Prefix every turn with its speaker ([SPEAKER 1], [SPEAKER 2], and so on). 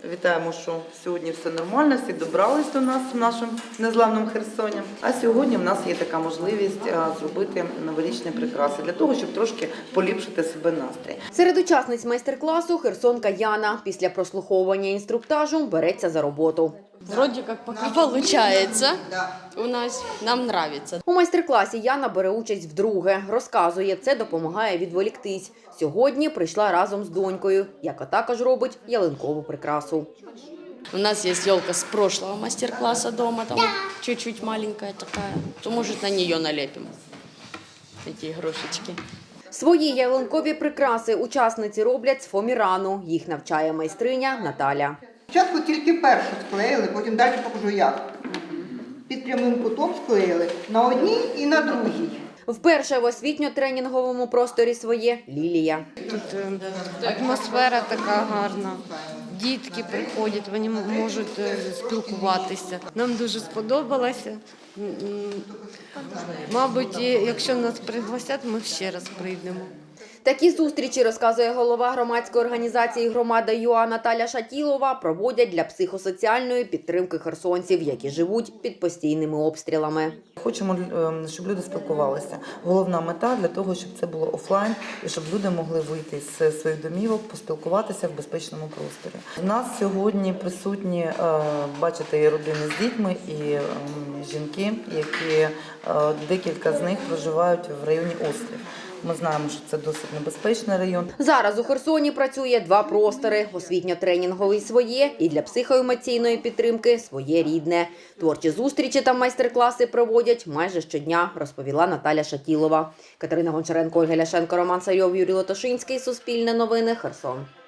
[SPEAKER 1] Вітаємо, що сьогодні все нормально, всі добрались до нас в нашому незламному Херсоні. А сьогодні в нас є така можливість зробити новорічні прикраси для того, щоб трошки поліпшити себе настрій.
[SPEAKER 2] Серед учасниць майстер-класу херсонка Яна після прослуховування інструктажу береться за роботу.
[SPEAKER 3] Вроде как пока получается. У нас, нам нравится.
[SPEAKER 2] У майстер-класі Яна бере участь вдруге. Розказує, це допомагає відволіктись. Сьогодні прийшла разом з донькою, яка також робить ялинкову прикрасу.
[SPEAKER 3] У нас есть елка с прошлого мастер-класса дома, там вот чуть-чуть маленькая такая. То, может, на нее налепим такие игрушечки.
[SPEAKER 2] Свої ялинкові прикраси учасниці роблять з фоамірану. Їх навчає майстриня Наталя.
[SPEAKER 4] Спочатку тільки першу склеїли, потім далі покажу як. Під прямим кутом склеїли на одній і на другій.
[SPEAKER 2] Вперше в освітньо-тренінговому просторі своє Лілія.
[SPEAKER 5] Тут атмосфера така гарна. Дітки приходять, вони можуть спілкуватися. Нам дуже сподобалося. Мабуть, якщо нас пригласять, ми ще раз прийдемо.
[SPEAKER 2] Такі зустрічі, розказує голова громадської організації «Громада ЮА» Наталя Шатілова, проводять для психосоціальної підтримки херсонців, які живуть під постійними обстрілами.
[SPEAKER 1] Хочемо, щоб люди спілкувалися. Головна мета для того, щоб це було офлайн і щоб люди могли вийти з своїх домівок, поспілкуватися в безпечному просторі. У нас сьогодні присутні, бачите, і родини з дітьми, і жінки, які декілька з них проживають в районі Острів. Ми знаємо, що це досить небезпечний район.
[SPEAKER 2] Зараз у Херсоні працює два простори – освітньо-тренінговий своє і для психоемоційної підтримки своє рідне. Творчі зустрічі та майстер-класи проводять майже щодня, розповіла Наталя Шатілова. Катерина Гончаренко, Ольга Ляшенко, Роман Сайов, Юрій Лотошинський. Суспільне новини. Херсон.